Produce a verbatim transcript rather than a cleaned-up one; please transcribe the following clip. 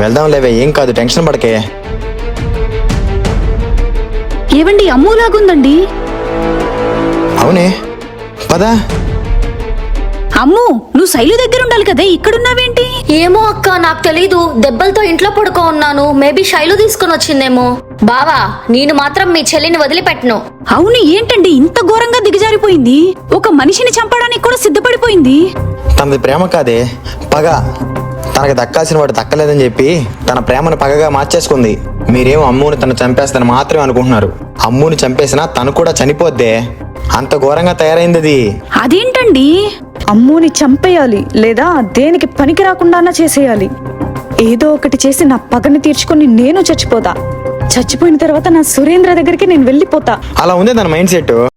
వెళ్దాం లేవే, ఏం కాదు, టెన్షన్ పడకే. ఏవండి అమ్ములాగుందండి. అవునే, పదా. అమ్ము, నువ్వు శైలు దగ్గర ఉండాలి కదా, ఇక్కడున్నావేంటి? ఏమో అక్క, నాకు తెలీదు. దెబ్బలతో ఇంట్లో పడుకో ఉన్నాను. మేబీ శైలు తీసుకుని వచ్చిందేమో. బావా, నేను మాత్రం మీ చెల్లిని వదిలిపెట్టను. అవును, ఏంటండి ఇంత ఘోరంగా దిగజారిపోయింది? ఒక మనిషిని చంపడానికి కూడా సిద్ధపడిపోయింది. తనది ప్రేమ కాదే, పగ. తనకు దక్కాల్సిన వాడు దక్కలేదని చెప్పి తన ప్రేమను పగగా మార్చేసుకుంది. మీరేమో అమ్ముని తను చంపేస్తాను మాత్రమే అనుకుంటున్నారు. అమ్ముని చంపేసినా తను కూడా చనిపోద్దే. అంత ఘోరంగా తయారైంది అది. అదేంటండి? అమ్ముని చంపేయాలి, లేదా దేనికి పనికి రాకుండా చేసేయాలి. ఏదో ఒకటి చేసి నా పగని తీర్చుకుని నేను చచ్చిపోతా. చచ్చిపోయిన తర్వాత నా సురేంద్ర దగ్గరికి నేను వెళ్ళిపోతా. అలా ఉంది తన మైండ్ సెట్.